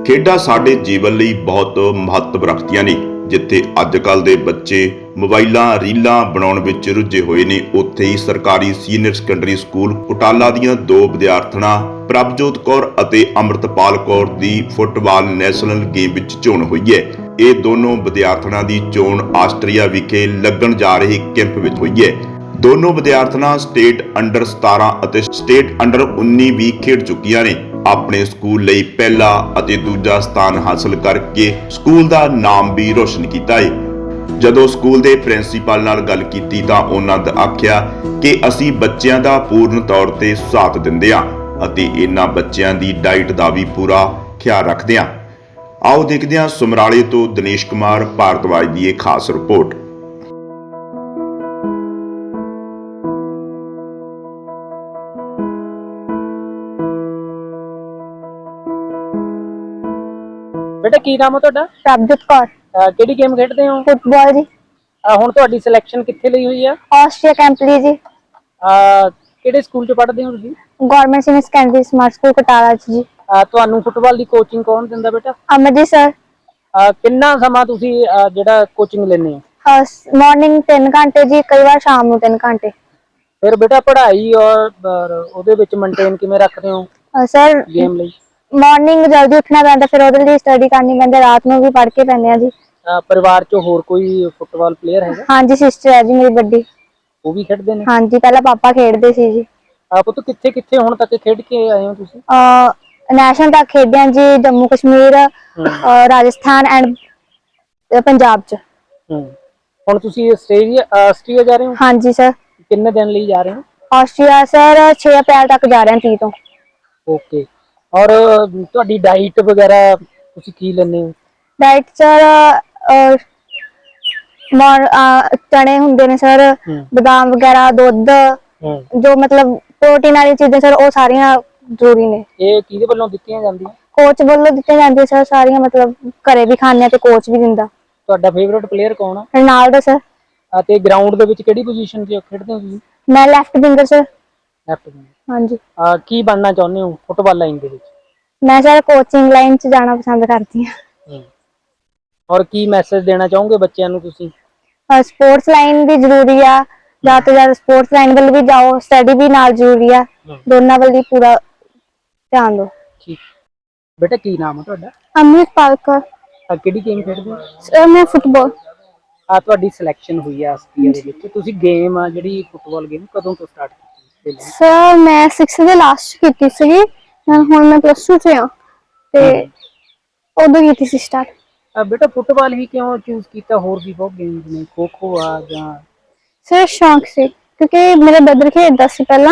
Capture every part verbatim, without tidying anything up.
ਖੇਡਾਂ ਸਾਡੇ ਜੀਵਨ ਲਈ ਬਹੁਤ ਮਹੱਤਵ ਰੱਖਦੀਆਂ ਨੇ। ਜਿੱਥੇ ਅੱਜ ਕੱਲ ਦੇ ਬੱਚੇ ਮੋਬਾਈਲਾਂ ਰੀਲਾਂ ਬਣਾਉਣ ਵਿੱਚ ਰੁੱਝੇ ਹੋਏ ਨੇ, ਉੱਥੇ ਹੀ ਸਰਕਾਰੀ ਸੀਨੀਅਰ ਸੈਕੰਡਰੀ ਸਕੂਲ ਕੁਟਾਲਾ ਦੀਆਂ ਦੋ ਵਿਦਿਆਰਥਣਾਂ ਪ੍ਰਭਜੋਤ ਕੌਰ ਅਤੇ ਅੰਮ੍ਰਿਤਪਾਲ ਕੌਰ ਦੀ ਫੁੱਟਬਾਲ ਨੈਸ਼ਨਲ ਗੇਮ ਵਿੱਚ ਚੋਣ ਹੋਈ ਹੈ। ਇਹ ਦੋਨੋਂ ਵਿਦਿਆਰਥਣਾਂ ਦੀ ਚੋਣ ਆਸਟਰੀਆ ਵਿਖੇ ਲੱਗਣ ਜਾ ਰਹੇ ਕੈਂਪ ਵਿੱਚ ਹੋਈ ਹੈ। ਦੋਨੋਂ ਵਿਦਿਆਰਥਣਾਂ ਸਟੇਟ ਅੰਡਰ ਸਤਾਰਾਂ ਅਤੇ ਸਟੇਟ ਅੰਡਰ ਉੱਨੀ ਵੀ ਖੇਡ ਚੁੱਕੀਆਂ ਨੇ। ਆਪਣੇ ਸਕੂਲ ਲਈ ਪਹਿਲਾ ਅਤੇ ਦੂਜਾ ਸਥਾਨ ਹਾਸਲ ਕਰਕੇ ਸਕੂਲ ਦਾ ਨਾਮ ਵੀ ਰੋਸ਼ਨ ਕੀਤਾ ਹੈ। ਜਦੋਂ ਸਕੂਲ ਦੇ ਪ੍ਰਿੰਸੀਪਲ ਨਾਲ ਗੱਲ ਕੀਤੀ ਤਾਂ ਉਹਨਾਂ ਨੇ ਆਖਿਆ ਕਿ ਅਸੀਂ ਬੱਚਿਆਂ ਦਾ ਪੂਰਨ ਤੌਰ ਤੇ ਸਾਥ ਦਿੰਦੇ ਹਾਂ ਅਤੇ ਇਹਨਾਂ ਬੱਚਿਆਂ ਦੀ ਡਾਈਟ ਦਾ ਵੀ ਪੂਰਾ ਖਿਆਲ ਰੱਖਦੇ ਹਾਂ। ਆਓ ਦੇਖਦੇ ਹਾਂ ਸਮਰਾਲੇ ਤੋਂ ਦਿਨੇਸ਼ ਕੁਮਾਰ ਭਾਰਤਵਾਜ ਦੀ ਇਹ ਖਾਸ ਰਿਪੋਰਟ। बेटा की नाम है तुहाडा? प्रभजोत कौर। ਕਿਹੜੀ ਗੇਮ ਖੇਡਦੇ ਹੋ? फुटबॉल जी। ਹੁਣ ਤੁਹਾਡੀ ਸਿਲੈਕਸ਼ਨ ਕਿੱਥੇ ਲਈ ਹੋਈ ਆ? ऑस्ट्रिया कैंप ली जी। ਕਿਹੜੇ ਸਕੂਲ ਚ ਪੜ੍ਹਦੇ ਹੋ ਤੁਸੀਂ? Government senior secondary smart school Katara च जी। ਤੁਹਾਨੂੰ ਫੁੱਟਬਾਲ ਦੀ ਕੋਚਿੰਗ ਕੌਣ ਦਿੰਦਾ ਬੇਟਾ? अमरजीत सर। ਕਿੰਨਾ ਸਮਾਂ ਤੁਸੀਂ ਜਿਹੜਾ ਕੋਚਿੰਗ ਲੈਂਦੇ ਹੋ? मॉर्निंग तीन घंटे जी, कई बार शाम ਨੂੰ तीन घंटे। ਫਿਰ ਬੇਟਾ ਪੜ੍ਹਾਈ ਔਰ ਉਹਦੇ ਵਿੱਚ ਮੇਨਟੇਨ ਕਿਵੇਂ ਰੱਖਦੇ ਹੋ सर ਗੇਮ ਲਈ? मॉर्निंग जल्दी उठना पैंदा, फिर ਉਹਦੇ ਲਈ ਸਟੱਡੀ ਕਰਨੀ ਪੈਂਦੀ, ਰਾਤ ਨੂੰ ਵੀ ਪੜ੍ਹ ਕੇ ਪੈਂਦੇ ਆ ਜੀ। ਪਰਿਵਾਰ ਚ ਹੋਰ ਕੋਈ ਫੁੱਟਬਾਲ ਪਲੇਅਰ ਹੈਗਾ? ਹਾਂਜੀ ਸਿਸਟਰ ਹੈ ਜੀ ਮੇਰੀ ਵੱਡੀ। ਉਹ ਵੀ ਖੇਡਦੇ ਨੇ? ਹਾਂਜੀ ਪਹਿਲਾਂ ਪਾਪਾ ਖੇਡਦੇ ਸੀ ਜੀ। ਆਪ ਤੋਂ ਕਿੱਥੇ ਕਿੱਥੇ ਹੁਣ ਤੱਕ ਖੇਡ ਕੇ ਆਏ ਹੋ ਤੁਸੀਂ? ਨੈਸ਼ਨਲ ਤੱਕ ਖੇਡਿਆ ਜੀ, ਜੰਮੂ ਕਸ਼ਮੀਰ, ਰਾਜਸਥਾਨ ਐਂਡ ਪੰਜਾਬ ਚ। ਹੁਣ ਤੁਸੀਂ ਆਸਟ੍ਰੇਲੀਆ ਆਸਟ੍ਰੀਆ ਜਾ ਰਹੇ ਹੋ? ਹਾਂਜੀ ਸਰ। ਕਿੰਨੇ ਦਿਨ ਲਈ ਜਾ ਰਹੇ ਹੋ? ਆਸਟ੍ਰੀਆ ਸਰ छह ਅਪ੍ਰੈਲ ਤੱਕ ਜਾ ਰਹੇ ਹਾਂ, तीस ਤੋਂ। ਓਕੇ। ਔਰ ਤੁਹਾਡੀ ਡਾਈਟ ਵਗੈਰਾ ਤੁਸੀਂ ਕੀ ਲੈਂਦੇ ਹੋ? ਡਾਈਟ ਸਰ ਮੋਰ ਚਣੇ ਹੁੰਦੇ ਨੇ ਸਰ, ਬਦਾਮ ਵਗੈਰਾ, ਦੁੱਧ, ਜੋ ਮਤਲਬ ਪ੍ਰੋਟੀਨ ਵਾਲੀ ਚੀਜ਼ਾਂ ਸਰ, ਉਹ ਸਾਰੀਆਂ ਜ਼ਰੂਰੀ ਨੇ। ਇਹ ਕਿਹਦੇ ਵੱਲੋਂ ਦਿੱਤੀਆਂ ਜਾਂਦੀਆਂ? ਕੋਚ ਵੱਲੋਂ ਦਿੱਤੀਆਂ ਜਾਂਦੀਆਂ ਸਰ ਸਾਰੀਆਂ, ਮਤਲਬ ਘਰੇ ਵੀ ਖਾਂਦੇ ਆ ਤੇ ਕੋਚ ਵੀ ਦਿੰਦਾ। ਤੁਹਾਡਾ ਫੇਵਰਿਟ ਪਲੇਅਰ ਕੌਣ ਆ? Ronaldo sir. ਅਤੇ ਗਰਾਊਂਡ ਦੇ ਵਿੱਚ ਕਿਹੜੀ ਪੋਜੀਸ਼ਨ ਤੇ ਖੇਡਦੇ ਹੋ ਤੁਸੀਂ? ਮੈਂ left winger sir. Left winger. ਹਾਂਜੀ। ਕੀ ਬਣਨਾ ਚਾਹੁੰਦੇ ਹੋ ਫੁੱਟਬਾਲ ਲਾਈਨ ਦੇ ਵਿੱਚ? ਮੈਂ ਸਰ ਕੋਚਿੰਗ ਲਾਈਨ ਚ ਜਾਣਾ ਪਸੰਦ ਕਰਦੀ ਹਾਂ। ਔਰ ਕੀ ਮੈਸੇਜ ਦੇਣਾ ਚਾਹੋਗੇ ਬੱਚਿਆਂ ਨੂੰ ਤੁਸੀਂ? ਸਪੋਰਟਸ ਲਾਈਨ ਵੀ ਜ਼ਰੂਰੀ ਆ, ਜ਼ਿਆਦਾ ਤੋਂ ਜ਼ਿਆਦਾ ਸਪੋਰਟਸ ਲਾਈਨ ਵੱਲ ਵੀ ਜਾਓ, ਸਟੱਡੀ ਵੀ ਨਾਲ ਜ਼ਰੂਰੀ ਆ, ਦੋਨਾਂ ਵੱਲ ਹੀ ਪੂਰਾ ਧਿਆਨ ਦਿਓ। ਠੀਕ। ਬੇਟਾ ਕੀ ਨਾਮ ਹੈ ਤੁਹਾਡਾ? ਅੰਮ੍ਰਿਤਪਾਲ ਕੌਰ। ਕਿਹੜੀ ਗੇਮ ਖੇਡਦੇ ਹੋ? ਸਰ ਮੈਂ ਫੁੱਟਬਾਲ। ਆ ਤੁਹਾਡੀ ਸਿਲੈਕਸ਼ਨ ਹੋਈ ਆ ਆਸਟਰੀਆ ਦੇ ਵਿੱਚ, ਤੁਸੀਂ ਗੇਮ ਆ ਜਿਹੜੀ ਫੁੱਟਬਾਲ ਗੇਮ ਕਦੋਂ ਤੋਂ ਸਟਾਰਟ ਕੀਤੀ? ਸਰ ਮੈਂ ਸਿਕਸਥ ਦੇ ਲਾਸਟ ਕੀਤੀ ਸੀਗੀ, ਹੁਣ ਮੈਂ ਪਲੱਸ ਟੂ ਚ ਆ ਤੇ ਉਦੋਂ ਕੀਤੀ ਸੀ ਸਟਾਰਟ। ਬੇਟਾ ਫੁੱਟਬਾਲ ਹੀ ਕਿਉਂ ਚੂਜ਼ ਕੀਤਾ? ਹੋਰ ਵੀ ਬਹੁਤ ਗੇਮਸ ਨੇ, ਖੋ ਖੋ ਆ ਜਾਂ? ਸਰ ਸ਼ੌਂਕ ਸੀ, ਕਿਉਂਕਿ ਮੇਰਾ ਬ੍ਰਦਰ ਖੇਡਦਾ ਸੀ ਪਹਿਲਾਂ,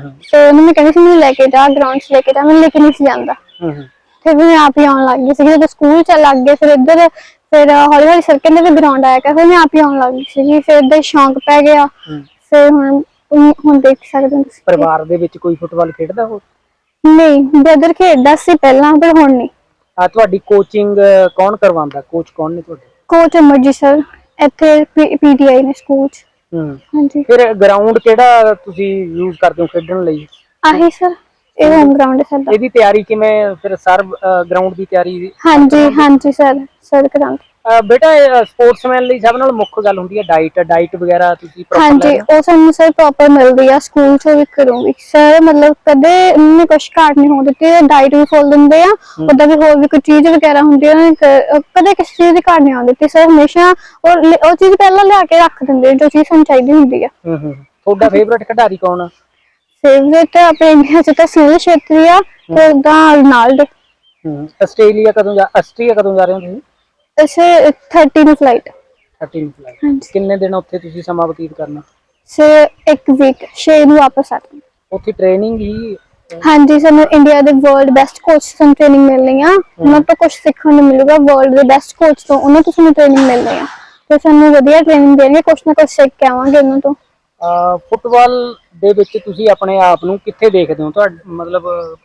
ਤੇ ਉਹਨੂੰ ਮੈਂ ਕਹਿੰਦੀ ਸੀ ਮੈਨੂੰ ਲੈ ਕੇ ਜਾ ਗਰਾਊਂਡ ਚ, ਲੈ ਕੇ ਜਾ, ਮੈਨੂੰ ਲੈ ਕੇ ਨਹੀਂ ਸੀ ਜਾਂਦਾ। ਫਿਰ ਮੈਂ ਆਪ ਹੀ ਆਉਣ ਲੱਗ ਗਈ ਸੀ, ਜਦੋਂ ਸਕੂਲ ਚ ਲੱਗ ਗਏ, ਫਿਰ ਇੱਧਰ ਫਿਰ ਹੌਲੀ ਹੌਲੀ ਸਰ ਕਹਿੰਦੇ ਵੀ ਗਰਾਊਂਡ ਆਇਆ ਕਰ, ਫਿਰ ਮੈਂ ਆਪ ਹੀ ਆਉਣ ਲੱਗ ਗਈ ਸੀ, ਫਿਰ ਏਦਾਂ ਹੀ ਸ਼ੌਂਕ ਪੈ ਗਿਆ। ਫਿਰ ਹੁਣ ਹੁਣ ਦੇਖ ਸਕਦੇ ਹੋ ਤੁਸੀਂ। ਪਰਿਵਾਰ ਦੇ ਵਿੱਚ ਕੋਈ ਫੁੱਟਬਾਲ ਖੇਡਦਾ ਹੋ? ਨਹੀਂ, ਬ੍ਰਦਰ ਖੇਡਦਾ ਸੀ ਪਹਿਲਾਂ, ਪਰ ਹੁਣ ਨਹੀਂ। ਆ ਤੁਹਾਡੀ ਕੋਚਿੰਗ ਕੌਣ ਕਰਵਾਉਂਦਾ? ਕੋਚ ਕੌਣ ਨੇ ਤੁਹਾਡੇ? ਕੋਚ ਅਮਰਜੀਤ ਸਰ, ਇੱਥੇ ਪੀਟੀਆਈ ਨੇ ਸਕੂਲ ਚ। ਹਾਂਜੀ। ਫਿਰ ਗਰਾਊਂਡ ਕਿਹੜਾ ਤੁਸੀਂ ਯੂਜ਼ ਕਰਦੇ ਹੋ ਖੇਡਣ ਲਈ? ਆਹੀ ਸਰ, ਇਹ ਹੋਮ ਗਰਾਊਂਡ ਹੈ ਸਾਡਾ। ਇਹਦੀ ਤਿਆਰੀ ਕਿਵੇਂ ਫਿਰ ਸਰ ਗਰਾਊਂਡ ਦੀ ਤਿਆਰੀ? ਹਾਂਜੀ ਹਾਂਜੀ ਸਰ, ਸਰ ਕਰਾਂਗੇ। ਬੇਟਾ ਸਪੋਰਟਸਮੈਨ ਲਈ ਸਭ ਨਾਲ ਮੁੱਖ ਗੱਲ ਹੁੰਦੀ ਹੈ ਡਾਈਟ। ਡਾਈਟ ਵਗੈਰਾ ਤੁਸੀਂ ਪ੍ਰੋਪਰ? ਹਾਂਜੀ ਉਹ ਸਾਨੂੰ ਸਰ ਪ੍ਰੋਪਰ ਮਿਲਦੀ ਆ, ਸਕੂਲ ਚ ਵੀ ਕਰੂੰਗੀ ਸਰ, ਮਤਲਬ ਕਦੇ ਉਹਨੇ ਕੁਛ ਘਾਟ ਨਹੀਂ ਹੋਣ ਦਿੱਤੀ, ਡਾਈਟ ਵੀ ਫੁੱਲ ਦਿੰਦੇ ਆ, ਉਦਾਂ ਵੀ ਹੋਰ ਵੀ ਕੋਈ ਚੀਜ਼ ਵਗੈਰਾ ਹੁੰਦੀ ਹੈ, ਕਦੇ ਕਿਸੇ ਚੀਜ਼ ਦੀ ਘਾਟ ਨਹੀਂ ਆਉਣ ਦਿੱਤੀ ਸਰ, ਹਮੇਸ਼ਾ ਉਹ ਚੀਜ਼ ਪਹਿਲਾਂ ਲਿਆ ਕੇ ਰੱਖ ਦਿੰਦੇ ਜੋ ਚੀਜ਼ ਸਾਨੂੰ ਚਾਹੀਦੀ ਹੁੰਦੀ ਆ। ਤੁਹਾਡਾ ਫੇਵਰੇਟ ਖਿਡਾਰੀ ਕੌਣ ਆ? ਫੇਵਰੇਟ ਆਪਣੇ ਇੰਡੀਆ ਚ ਤਾਂ ਸੁਨੀਲ ਛੇਤਰੀ ਆ, ਤੇ ਉਦਾਂ ਰੋਨਾਲਡੋ। ਆਸਟ੍ਰੇਲੀਆ ਕਦੋਂ ਜਾ ਆਸਟ੍ਰੀਆ ਕਦੋਂ ਜਾ ਰਹੇ ਹੋ ਤੁਸੀਂ? ਸਰ ਥਰਟੀ ਨੂੰ ਫਲਾਈਟ। ਥਰਟੀ ਨੂੰ ਫਲਾਈਟ। ਕਿੰਨੇ ਦਿਨ ਉੱਥੇ ਤੁਸੀਂ ਸਮਾਂ ਬਤੀਤ ਕਰਨਾ? ਸਰ ਇੱਕ ਵੀਕ, ਛੇ ਨੂੰ ਵਾਪਸ ਆ ਜਾਣਾ। ਉੱਥੇ ਟ੍ਰੇਨਿੰਗ ਹੀ? ਹਾਂਜੀ, ਸਾਨੂੰ ਇੰਡੀਆ ਦੇ ਵਰਲਡ ਬੈਸਟ ਕੋਚ ਤੋਂ ਟ੍ਰੇਨਿੰਗ ਮਿਲਣੀ ਆ, ਉਹਨਾਂ ਤੋਂ ਕੁਝ ਸਿੱਖਣ ਨੂੰ ਮਿਲੂਗਾ, ਵਰਲਡ ਦੇ ਬੈਸਟ ਕੋਚ ਤੋਂ, ਉਹਨਾਂ ਤੋਂ ਸਾਨੂੰ ਟ੍ਰੇਨਿੰਗ ਮਿਲਣੀ ਆ, ਤੇ ਸਾਨੂੰ ਵਧੀਆ ਟ੍ਰੇਨਿੰਗ ਦੇਣਗੇ, ਕੁਛ ਨਾ ਕੁਛ ਸਿੱਖ ਕੇ ਆਵਾਂਗੇ ਉਹਨਾਂ ਤੋਂ। ਫੁੱਟਬਾਲ ਦੇ ਵਿੱਚ ਤੁਸੀਂ ਆਪਣੇ ਆਪ ਨੂੰ ਕਿੱਥੇ ਦੇਖਦੇ ਹੋ? ਤੁਹਾਡਾ ਮਤਲਬ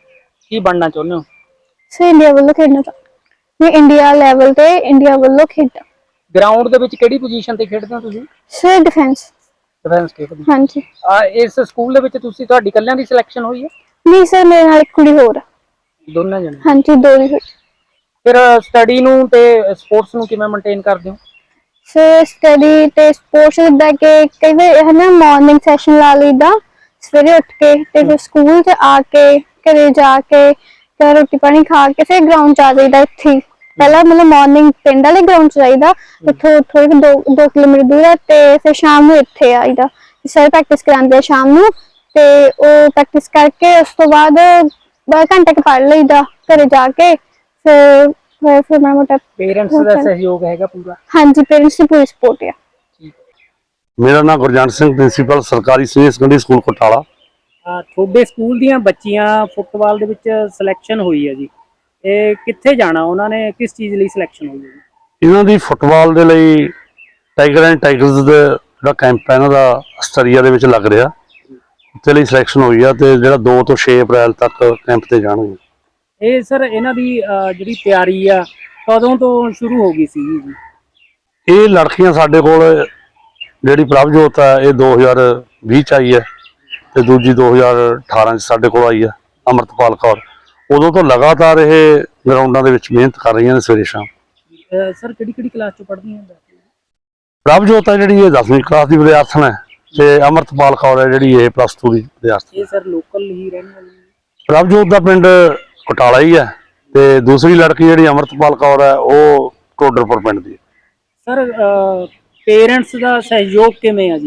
ਕੀ ਬਣਨਾ ਚਾਹੁੰਦੇ ਹੋ? ਸਰ ਇੰਡੀਆ ਵੱਲੋਂ ਖੇਡਣਾ ਚਾਹੁੰਦੇ, ਇੰਡੀਆ ਲੈਵਲ ਤੇ ਇੰਡੀਆ ਵੱਲੋਂ ਖੇਡਾਂ। ਗਰਾਊਂਡ ਦੇ ਵਿੱਚ ਕਿਹੜੀ ਪੋਜੀਸ਼ਨ ਤੇ ਖੇਡਦੇ ਹੋ ਤੁਸੀਂ? Sir defence. ਡਿਫੈਂਸ ਖੇਡਦੇ? ਹਾਂਜੀ। ਇਸ ਸਕੂਲ ਦੇ ਵਿੱਚ ਤੁਸੀਂ ਤੁਹਾਡੀ ਇਕੱਲਿਆਂ ਦੀ ਸਿਲੈਕਸ਼ਨ ਹੋਈ ਹੈ? ਨਹੀਂ ਸਰ, ਮੇਰੇ ਨਾਲ ਇੱਕ ਕੁੜੀ ਹੋਰ ਆ। ਦੋਨਾਂ ਜਣੇ? ਹਾਂਜੀ, ਦੋ ਹੀ ਹੋਈ। ਫਿਰ ਸਟੱਡੀ ਨੂੰ ਤੇ ਸਪੋਰਟਸ ਨੂੰ ਕਿਵੇਂ ਮੇਨਟੇਨ ਕਰਦੇ ਹੋ? ਫਿਰ ਸਟੱਡੀ ਤੇ ਸਪੋਰਟਸ ਜਿੱਦਾਂ ਕਿ ਕਈ ਵਾਰ ਹੈ ਨਾ ਮਾਰਨਿੰਗ ਸੈਸ਼ਨ ਲਾ ਲਈਦਾ ਸਵੇਰੇ ਉੱਠ ਕੇ, ਤੇ ਫਿਰ ਸਕੂਲ 'ਚ ਆ ਕੇ ਘਰੇ ਜਾ ਕੇ ਫਿਰ ਰੋਟੀ ਪਾਣੀ ਖਾ ਕੇ ਫਿਰ ਗਰਾਊਂਡ 'ਚ ਆ ਜਾਈਦਾ। ਇੱਥੇ ਪਹਿਲਾਂ ਮਤਲਬ ਮਾਰਨਿੰਗ ਪਿੰਡ ਵਾਲੇ ਗਰਾਊਂਡ 'ਚ ਜਾਈਦਾ, ਉੱਥੋਂ ਥੋੜ੍ਹੇ ਕੁ ਦੋ ਦੋ ਕਿਲੋਮੀਟਰ ਦੂਰ ਹੈ, ਤੇ ਫਿਰ ਸ਼ਾਮ ਨੂੰ ਇੱਥੇ ਆਈਦਾ। ਸਾਰੇ ਪ੍ਰੈਕਟਿਸ ਕਰਾਉਂਦੇ ਆ ਸ਼ਾਮ ਨੂੰ, ਤੇ ਉਹ ਪ੍ਰੈਕਟਿਸ ਕਰਕੇ ਉਸ ਤੋਂ ਬਾਅਦ ਬਾਰਾਂ ਘੰਟੇ ਕੁ ਪੜ੍ਹ ਲਈਦਾ ਘਰੇ ਜਾ ਕੇ। ਫਿਰ ਫਿਰ ਫਿਰ ਮਾੜਾ ਮੋਟਾ ਪੇਰੈਂਟਸ ਦਾ ਸਹਿਯੋਗ ਹੈਗਾ ਪੂਰਾ? ਹਾਂਜੀ, ਪੇਰੈਂਟਸ ਦੀ ਪੂਰੀ ਸਪੋਰਟ ਆ। ਮੇਰਾ ਨਾਮ ਗੁਰਜੰਟ ਸਿੰਘ, ਪ੍ਰਿੰਸੀਪਲ ਸਰਕਾਰੀ ਸੀਨੀਅਰ ਸੈਕੰਡਰੀ ਸਕੂਲ ਕੋਟਾਲਾ। ਤੁਹਾਡੇ ਸਕੂਲ ਦੀਆਂ ਬੱਚੀਆਂ ਫੁੱਟਬਾਲ ਦੇ ਵਿੱਚ ਸਿਲੈਕਸ਼ਨ ਹੋਈ ਹੈ ਜੀ, ਇਹ ਕਿੱਥੇ ਜਾਣਾ ਉਹਨਾਂ ਨੇ, ਕਿਸ ਚੀਜ਼ ਲਈ ਸਿਲੈਕਸ਼ਨ ਹੋਈ ਹੈ ਜੀ? ਇਹਨਾਂ ਦੀ ਫੁੱਟਬਾਲ ਦੇ ਲਈ ਟਾਈਗਰ ਐਂਡ ਟਾਈਗਰਸ ਦਾ ਜਿਹੜਾ ਕੈਂਪ ਹੈ ਇਹਨਾਂ ਦਾ ਅਸਟਰੀਆ ਦੇ ਵਿੱਚ ਲੱਗ ਰਿਹਾ, ਉੱਥੇ ਲਈ ਸਿਲੈਕਸ਼ਨ ਹੋਈ ਆ, ਤੇ ਜਿਹੜਾ ਦੋ ਤੋਂ ਛੇ ਅਪ੍ਰੈਲ ਤੱਕ ਕੈਂਪ ਤੇ ਜਾਣਗੇ। ਇਹ ਸਰ ਇਹਨਾਂ ਦੀ ਜਿਹੜੀ ਤਿਆਰੀ ਆ ਕਦੋਂ ਤੋਂ ਸ਼ੁਰੂ ਹੋ ਗਈ ਸੀ ਜੀ? ਇਹ ਲੜਕੀਆਂ ਸਾਡੇ ਕੋਲ ਜਿਹੜੀ ਪ੍ਰਭਜੋਤ ਹੈ ਇਹ ਦੋ ਹਜ਼ਾਰ ਵੀਹ 'ਚ ਆਈ ਹੈ, ਤੇ ਦੂਜੀ ਦੋ ਹਜ਼ਾਰ ਅਠਾਰਾਂ 'ਚ ਸਾਡੇ ਕੋਲ ਆਈ ਹੈ ਅਮਰਤਪਾਲ ਕੌਰ। ਉਦੋਂ ਤੋਂ ਲਗਾਤਾਰ ਇਹ ਗਰਾਊਂਡਾਂ ਦੇ ਵਿੱਚ ਮਿਹਨਤ ਕਰ ਰਹੀਆਂ ਨੇ ਸਵੇਰੇ ਸ਼ਾਮ। ਸਰ ਕਿਹੜੀ ਕਿਹੜੀ ਕਲਾਸ 'ਚ ਪੜ੍ਹਦੀਆਂ ਨੇ? ਪ੍ਰਭਜੋਤ ਹੈ ਜਿਹੜੀ ਇਹ ਦਸਵੀਂ ਕਲਾਸ ਦੀ ਵਿਦਿਆਰਥਣ ਹੈ, ਤੇ ਅਮਰਤਪਾਲ ਕੌਰ ਹੈ ਜਿਹੜੀ ਇਹ ਪਲੱਸ ਟੂ ਦੀ ਵਿਦਿਆਰਥਣ। ਇਹ ਸਰ ਲੋਕਲ ਹੀ ਰਹਿਣ ਵਾਲੀ? ਪ੍ਰਭਜੋਤ ਦਾ ਪਿੰਡ ਕੋਟਾਲਾ ਹੀ ਹੈ, ਤੇ ਦੂਸਰੀ ਲੜਕੀ ਜਿਹੜੀ ਅਮਰਤਪਾਲ ਕੌਰ ਹੈ ਉਹ ਟੋਡਰਪੁਰ ਪਿੰਡ ਦੀ ਹੈ। ਸਰ ਪੇਰੈਂਟਸ ਦਾ ਸਹਿਯੋਗ ਕਿਵੇਂ ਆ ਜੀ?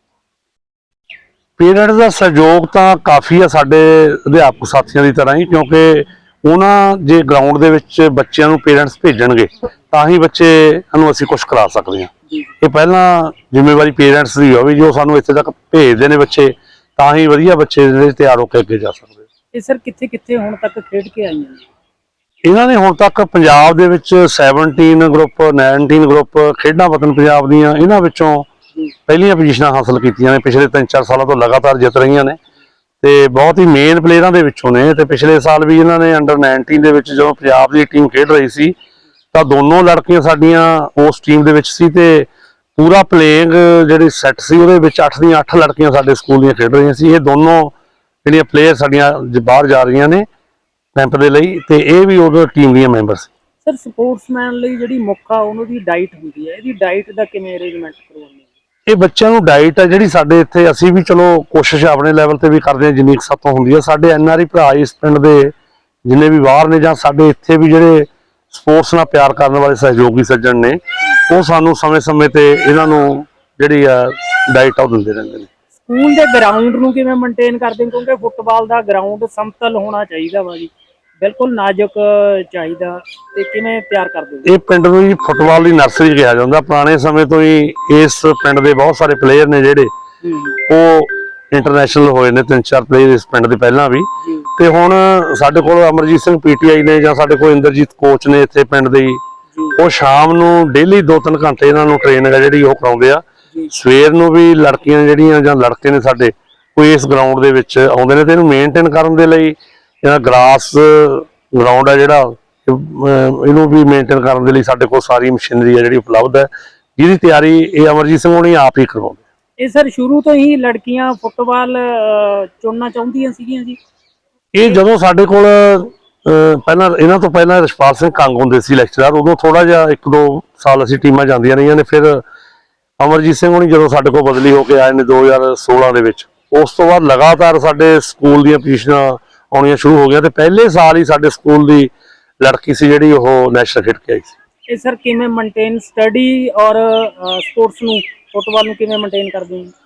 ਪੇਰੈਂਟਸ ਦਾ ਸਹਿਯੋਗ ਤਾਂ ਕਾਫੀ ਆ ਸਾਡੇ ਅਧਿਆਪਕ ਸਾਥੀਆਂ ਦੀ ਤਰ੍ਹਾਂ ਹੀ, ਕਿਉਂਕਿ ਉਹਨਾਂ ਜੇ ਗਰਾਊਂਡ ਦੇ ਵਿੱਚ ਬੱਚਿਆਂ ਨੂੰ ਪੇਰੈਂਟਸ ਭੇਜਣਗੇ ਤਾਂ ਹੀ ਬੱਚੇ ਨੂੰ ਅਸੀਂ ਕੁਝ ਕਰਾ ਸਕਦੇ ਹਾਂ। ਇਹ ਪਹਿਲਾਂ ਜ਼ਿੰਮੇਵਾਰੀ ਪੇਰੈਂਟਸ ਦੀ ਹੋਵੇ, ਜੋ ਸਾਨੂੰ ਇੱਥੇ ਤੱਕ ਭੇਜਦੇ ਨੇ ਬੱਚੇ, ਤਾਂ ਹੀ ਵਧੀਆ ਬੱਚੇ ਜਿਹੜੇ ਤਿਆਰ ਹੋ ਕੇ ਅੱਗੇ ਜਾ ਸਕਦੇ। ਇਹ ਸਰ ਕਿੱਥੇ ਕਿੱਥੇ ਹੁਣ ਤੱਕ ਖੇਡ ਕੇ ਆਈਆਂ ਨੇ? ਇਹਨਾਂ ਨੇ ਹੁਣ ਤੱਕ ਪੰਜਾਬ ਦੇ ਵਿੱਚ ਸੈਵਨਟੀਨ ਗਰੁੱਪ, ਨਾਈਨਟੀਨ ਗਰੁੱਪ ਖੇਡਾਂ ਵਤਨ ਪੰਜਾਬ ਦੀਆਂ, ਇਹਨਾਂ ਵਿੱਚੋਂ ਪਹਿਲੀਆਂ ਪੋਜੀਸ਼ਨਾਂ ਹਾਸਲ ਕੀਤੀਆਂ ਨੇ। ਪਿਛਲੇ ਤਿੰਨ ਚਾਰ ਸਾਲਾਂ ਤੋਂ ਲਗਾਤਾਰ ਜਿੱਤ ਰਹੀਆਂ ਨੇ, ਤੇ ਬਹੁਤ ਹੀ ਮੇਨ ਪਲੇਅਰਾਂ ਦੇ ਵਿੱਚੋਂ ਨੇ। ਤੇ ਪਿਛਲੇ ਸਾਲ ਵੀ ਇਹਨਾਂ ਨੇ ਅੰਡਰ ਨਾਈਨਟੀਨ ਦੇ ਵਿੱਚ ਜਦੋਂ ਪੰਜਾਬ ਦੀ ਟੀਮ ਖੇਡ ਰਹੀ ਸੀ ਤਾਂ ਦੋਨੋਂ ਲੜਕੀਆਂ ਸਾਡੀਆਂ ਉਸ ਟੀਮ ਦੇ ਵਿੱਚ ਸੀ, ਤੇ ਪੂਰਾ ਪਲੇਇੰਗ ਜਿਹੜੀ ਸੈੱਟ ਸੀ ਉਹਦੇ ਵਿੱਚ ਅੱਠ ਦੀਆਂ ਅੱਠ ਲੜਕੀਆਂ ਸਾਡੇ ਸਕੂਲ ਦੀਆਂ ਖੇਡ ਰਹੀਆਂ ਸੀ। ਇਹ ਦੋਨੋਂ ਜਿਹੜੀਆਂ ਪਲੇਅਰ ਸਾਡੀਆਂ ਬਾਹਰ ਜਾ ਰਹੀਆਂ ਨੇ ਕੈਂਪ ਦੇ ਲਈ, ਤੇ ਇਹ ਵੀ ਉਦੋਂ ਟੀਮ ਦੀਆਂ ਮੈਂਬਰ ਸੀ। ਸਰ ਸਪੋਰਟਸਮੈਨ ਲਈ ਜਿਹੜੀ ਮੁੱਖ ਆ ਉਹਨਾਂ ਦੀ ਡਾਈਟ ਹੁੰਦੀ ਹੈ, ਇਹਦੀ ਡਾਈਟ ਦਾ ਕਿਵੇਂ ਅਰੇਂਜਮੈਂਟ ਕਰਵਾਉਂਦੇ? ਇਹ ਬੱਚਿਆਂ ਨੂੰ ਡਾਈਟ ਹੈ ਜਿਹੜੀ ਸਾਡੇ ਇੱਥੇ, ਅਸੀਂ ਵੀ ਚਲੋ ਕੋਸ਼ਿਸ਼ ਆਪਣੇ ਲੈਵਲ ਤੇ ਵੀ ਕਰਦੇ ਹਾਂ ਜਿੰਨੀ ਕੁ ਸਾਤੋਂ ਹੁੰਦੀ ਹੈ। ਸਾਡੇ ਐਨ ਆਰ ਆਈ ਭਰਾ ਇਸ ਪਿੰਡ ਦੇ ਜਿੰਨੇ ਵੀ ਬਾਹਰ ਨੇ, ਜਾਂ ਸਾਡੇ ਇੱਥੇ ਵੀ ਜਿਹੜੇ ਸਪੋਰਟਸ ਨਾਲ ਪਿਆਰ ਕਰਨ ਵਾਲੇ ਸਹਿਯੋਗੀ ਸੱਜਣ ਨੇ, ਉਹ ਸਾਨੂੰ ਸਮੇਂ-ਸਮੇਂ ਤੇ ਇਹਨਾਂ ਨੂੰ ਜਿਹੜੀ ਆ ਡਾਈਟ ਉਹ ਦਿੰਦੇ ਰਹਿੰਦੇ ਨੇ। ਸਕੂਲ ਦੇ ਗਰਾਊਂਡ ਨੂੰ ਕਿਵੇਂ ਮੇਨਟੇਨ ਕਰਦੇ ਹੋ? ਕਿਉਂਕਿ ਫੁੱਟਬਾਲ ਦਾ ਗਰਾਊਂਡ ਸਮਤਲ ਹੋਣਾ ਚਾਹੀਦਾ ਵਾ ਜੀ, ਬਿਲਕੁਲ ਨਾਜ਼ੁਕ ਚਾਹੀਦਾ, ਤੇ ਕਿਵੇਂ ਤਿਆਰ ਕਰਦੇ ਹੋ? ਇਹ ਪਿੰਡ ਨੂੰ ਜੀ ਫੁੱਟਬਾਲ ਦੀ ਨਰਸਰੀ ਕਿਹਾ ਜਾਂਦਾ। ਪੁਰਾਣੇ ਸਮੇਂ ਤੋਂ ਹੀ ਇਸ ਪਿੰਡ ਦੇ ਬਹੁਤ ਸਾਰੇ ਪਲੇਅਰ ਨੇ ਜਿਹੜੇ ਉਹ ਇੰਟਰਨੈਸ਼ਨਲ ਹੋਏ ਨੇ, ਤਿੰਨ ਚਾਰ ਪਲੇਅਰ ਇਸ ਪਿੰਡ ਦੇ ਪਹਿਲਾਂ ਵੀ। ਤੇ ਹੁਣ ਸਾਡੇ ਕੋਲ ਅਮਰਜੀਤ ਸਿੰਘ ਪੀਟੀਆਈ ਨੇ, ਜਾਂ ਸਾਡੇ ਕੋਲ ਇੰਦਰਜੀਤ ਕੋਚ ਨੇ ਇੱਥੇ ਪਿੰਡ ਦੇ ਹੀ, ਉਹ ਸ਼ਾਮ ਨੂੰ ਡੇਲੀ ਦੋ ਤਿੰਨ ਘੰਟੇ ਇਹਨਾਂ ਨੂੰ ਟ੍ਰੇਨਿੰਗ ਹੈ ਜਿਹੜੀ ਉਹ ਕਰਾਉਂਦੇ ਆ। ਸਵੇਰ ਨੂੰ ਵੀ ਲੜਕੀਆਂ ਜਿਹੜੀਆਂ ਜਾਂ ਲੜਕੇ ਨੇ ਸਾਡੇ ਉਹ ਇਸ ਗਰਾਊਂਡ ਦੇ ਵਿੱਚ ਆਉਂਦੇ ਨੇ, ਤੇ ਇਹਨੂੰ ਮੇਨਟੇਨ ਕਰਨ ਦੇ ਲਈ ਜਿਹੜਾ ਗਰਾਸ ਗਰਾਊਂਡ ਹੈ ਜਿਹੜਾ ਇਹਨੂੰ ਵੀ ਮੇਨਟੇਨ ਕਰਨ ਦੇ ਲਈ ਸਾਡੇ ਕੋਲ ਸਾਰੀ ਮਸ਼ੀਨਰੀ ਹੈ ਜਿਹੜੀ ਉਪਲਬਧ ਹੈ, ਜਿਹਦੀ ਤਿਆਰੀ ਇਹ ਅਮਰਜੀਤ ਸਿੰਘ ਹੋਣੀ ਆਪ ਹੀ ਕਰਵਾਉਂਦੇ। ਇਹ ਸਰ ਸ਼ੁਰੂ ਤੋਂ ਹੀ ਲੜਕੀਆਂ ਫੁੱਟਬਾਲ ਚੁਣਨਾ ਚਾਹੁੰਦੀਆਂ ਸੀਗੀਆਂ ਜੀ? ਇਹ ਜਦੋਂ ਸਾਡੇ ਕੋਲ ਪਹਿਲਾਂ ਇਹਨਾਂ ਤੋਂ ਪਹਿਲਾਂ ਰਸ਼ਪਾਲ ਸਿੰਘ ਕੰਗ ਹੁੰਦੇ ਸੀ ਲੈਕਚਰਰ, ਉਦੋਂ ਥੋੜਾ ਜਿਹਾ ਇੱਕ ਦੋ ਸਾਲ ਅਸੀਂ ਟੀਮਾਂ ਜਾਂਦੀਆਂ ਰਹੀਆਂ ਨੇ। ਫਿਰ ਅਮਰਜੀਤ ਸਿੰਘ ਹੋਣੀ ਜਦੋਂ ਸਾਡੇ ਕੋਲ ਬਦਲੀ ਹੋ ਕੇ ਆਏ ਨੇ ਦੋ ਹਜ਼ਾਰ ਸੋਲਾਂ ਦੇ ਵਿੱਚ, ਉਸ ਤੋਂ ਬਾਅਦ ਲਗਾਤਾਰ ਸਾਡੇ ਸਕੂਲ ਦੀਆਂ ਪੋਜੀਸ਼ਨਾਂ ਆਉਣੀਆਂ ਸ਼ੁਰੂ ਹੋ ਗਈਆਂ, ਤੇ ਪਹਿਲੇ ਸਾਲ ਹੀ ਸਾਡੇ ਸਕੂਲ ਦੀ ਲੜਕੀ ਸੀ ਜਿਹੜੀ ਉਹ ਨੈਸ਼ਨਲ ਖੇਡ ਕੇ ਆਈ ਸੀ। ਇਹ ਸਰ ਕਿਵੇਂ ਮੇਨਟੇਨ ਸਟੱਡੀ ਔਰ ਸਪੋਰਟਸ ਨੂੰ, ਫੁੱਟਬਾਲ ਨੂੰ ਕਿਵੇਂ ਮੇਨਟੇਨ ਕਰਦੇ ਹੋ?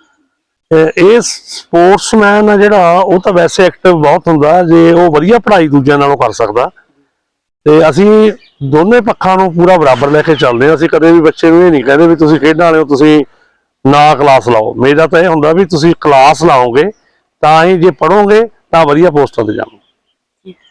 ਇਹ ਸਪੋਰਟਸਮੈਨ ਆ ਜਿਹੜਾ ਉਹ ਤਾਂ ਵੈਸੇ ਐਕਟਿਵ ਬਹੁਤ ਹੁੰਦਾ, ਜੇ ਉਹ ਵਧੀਆ ਪੜ੍ਹਾਈ ਦੂਜਿਆਂ ਨਾਲੋਂ ਕਰ ਸਕਦਾ। ਤੇ ਅਸੀਂ ਦੋਨੇ ਪੱਖਾਂ ਨੂੰ ਪੂਰਾ ਬਰਾਬਰ ਲੈ ਕੇ ਚੱਲਦੇ ਹਾਂ। ਅਸੀਂ ਕਦੇ ਵੀ ਬੱਚੇ ਨੂੰ ਇਹ ਨਹੀਂ ਕਹਿੰਦੇ ਵੀ ਤੁਸੀਂ ਖੇਡਣ ਵਾਲੇ ਹੋ ਤੁਸੀਂ ਨਾ ਕਲਾਸ ਲਾਓ। ਮੇਰਾ ਤਾਂ ਇਹ ਹੁੰਦਾ ਵੀ ਤੁਸੀਂ ਕਲਾਸ ਲਾਓਗੇ ਤਾਂ ਹੀ, ਜੇ ਪੜ੍ਹੋਗੇ ਤਾਂ ਵਧੀਆ ਪੋਸਟਾਂ ਤੇ ਜਾਓਗੇ।